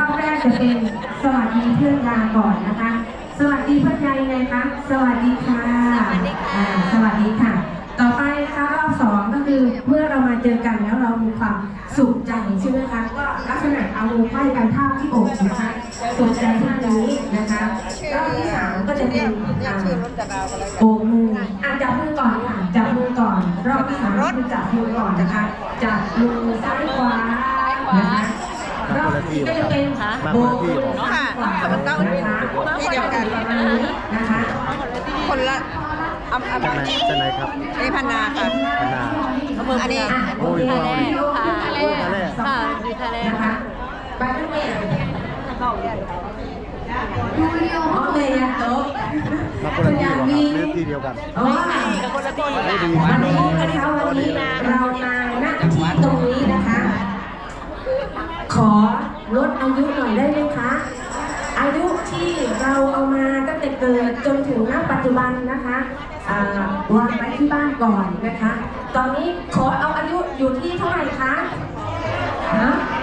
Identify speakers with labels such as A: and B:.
A: อบแรกจะเป็นสวัสดีเพื่อนยาก่อนนะคะ สวัสดีเพื่อนยายังไงคะสวัสดีค่ะสวัสดีค่ะต่อไปนะคะรอบสองก็คือเมื่อเรามาเจอกันแล้วเรามีความสุขใจใช่ไหมคะก็ลักษณะเอามือไขว้กันท่าที่อกนะคะสุขใจท่านี้นะคะรอบที่สามก็จะเป็นโบกมือจับมือก่อนค่ะจับมือก่อนรอบที่สามคือจับมือก่อนนะคะจับมือซ้ายขวานะคะรอบที่ก็จะเป็นโบกมือซ้ายขวานะคะที่เดียวกันนะคะ
B: คนละ
C: จะไหนครับ
B: นี่พันนาค่ะ
C: พันนา
B: อันนี้
C: โอ้ยเราดิ
D: ทะเลค่ะอยู่ทะเล
A: นะคะไปทุกเมื่อโอเคยันโต๊ะ
C: มาคนละที่หรอครับหรือที่เดียวกัน
D: คนละที่
A: วันนี้นะคะวันนี้เรามาณที่ตรงนี้นะคะ ขอลดอายุหน่อยได้ไหมคะอายุที่เราเอามาตั้งแต่เกิดจนถึงณปัจจุบันนะคะวางไว้ที่บ้านก่อนนะคะตอนนี้ขอเอาอายุอยู่ที่เท่าไหร่คะฮะ